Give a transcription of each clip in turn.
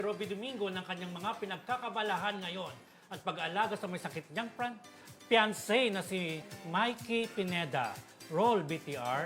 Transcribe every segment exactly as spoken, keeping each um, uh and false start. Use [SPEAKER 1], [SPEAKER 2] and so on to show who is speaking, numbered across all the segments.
[SPEAKER 1] Robby Domingo ng kanyang mga pinagkakabalahan ngayon at pag-aalaga sa may sakit niyang pran fiancé na si Mikey Pineda. Roll B T R.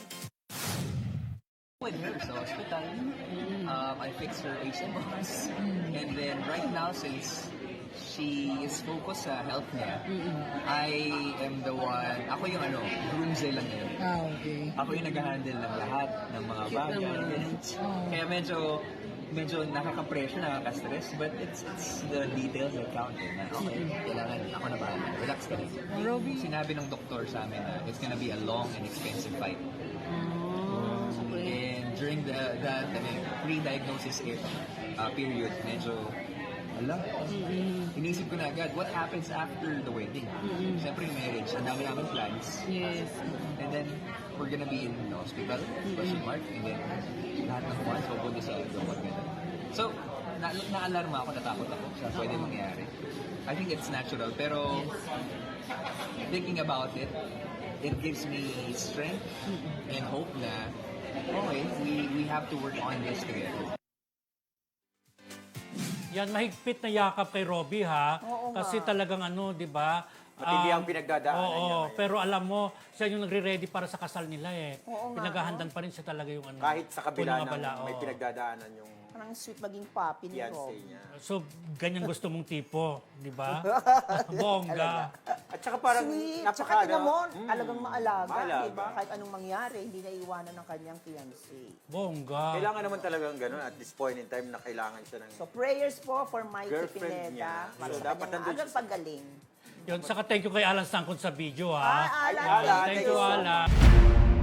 [SPEAKER 2] With her sa hospital, um, I fixed her A C box. And then right now, since she is focused sa health niya, I am the one, ako yung ano, groomsay lang yun.
[SPEAKER 3] Ah, okay.
[SPEAKER 2] Ako yung nag-handle ng lahat ng mga bagay. Kaya medyo, medyo nakaka-pressure, nakaka-stress, but it's, it's the details that count. Eh, na, okay, kailangan ako na bahala. Relax ka lang.
[SPEAKER 3] Robby.
[SPEAKER 2] Sinabi ng doktor sa amin na it's gonna be a long and expensive fight.
[SPEAKER 3] Ah, okay.
[SPEAKER 2] And during the that ano, pre-diagnosis eh, uh, period, medyo, ala, inisip ko na agad, what happens after the wedding? Siyempre yung marriage, ang dami namin plans.
[SPEAKER 3] Yes.
[SPEAKER 2] And then, we're gonna be in the hospital, question mark, and then lahat ng funds pupunta sa doktor. So, na na-alarma ako, natakot ako sa pwede mangyari. I think it's natural, pero thinking about it, it gives me strength and hope na, okay, we, we have to work on this together.
[SPEAKER 1] Yan, mahigpit na yakap kay Robby, ha?
[SPEAKER 4] Oo
[SPEAKER 1] Kasi
[SPEAKER 4] nga.
[SPEAKER 1] talagang ano, di ba?
[SPEAKER 5] Matindi
[SPEAKER 1] Um,
[SPEAKER 5] ang pinagdadaanan
[SPEAKER 1] oo,
[SPEAKER 5] niya ngayon.
[SPEAKER 1] pero alam mo, siya yung nagre-ready para sa kasal nila eh.
[SPEAKER 4] Oo nga,
[SPEAKER 1] Pinaghahandan pa rin siya talaga yung ano.
[SPEAKER 5] Kahit sa kabila
[SPEAKER 1] punong
[SPEAKER 5] ng
[SPEAKER 1] abala,
[SPEAKER 5] may
[SPEAKER 1] oo.
[SPEAKER 5] pinagdadaanan yung
[SPEAKER 4] Parang sweet maging papi ni
[SPEAKER 5] fiancé
[SPEAKER 4] Rob.
[SPEAKER 5] niya.
[SPEAKER 1] So, ganyan gusto mong tipo, di ba? Bongga.
[SPEAKER 5] At saka parang
[SPEAKER 4] Sweet.
[SPEAKER 5] napaka...
[SPEAKER 4] Tsaka tingnan mo,
[SPEAKER 5] Mm,
[SPEAKER 4] talagang maalaga.
[SPEAKER 5] maalaga.
[SPEAKER 4] Diba? Kahit anong mangyari, hindi naiiwanan ng kanyang fiancé.
[SPEAKER 1] Bongga.
[SPEAKER 5] Kailangan naman talagang gano'n at this point in time na kailangan siya ng...
[SPEAKER 4] So prayers po for Mikey
[SPEAKER 5] Girlfriend
[SPEAKER 4] Pineda.
[SPEAKER 5] niya.
[SPEAKER 4] Para
[SPEAKER 5] So,
[SPEAKER 4] sa
[SPEAKER 5] dapat
[SPEAKER 4] kanyang
[SPEAKER 5] nandun
[SPEAKER 4] agang
[SPEAKER 5] siya sa-
[SPEAKER 4] paggaling.
[SPEAKER 1] Yun, saka thank you kay Alan Sangkon sa video, ha?
[SPEAKER 4] Ah, Alan,
[SPEAKER 5] Alan,
[SPEAKER 1] Thank
[SPEAKER 5] thank
[SPEAKER 1] you,
[SPEAKER 5] you so
[SPEAKER 1] Alan.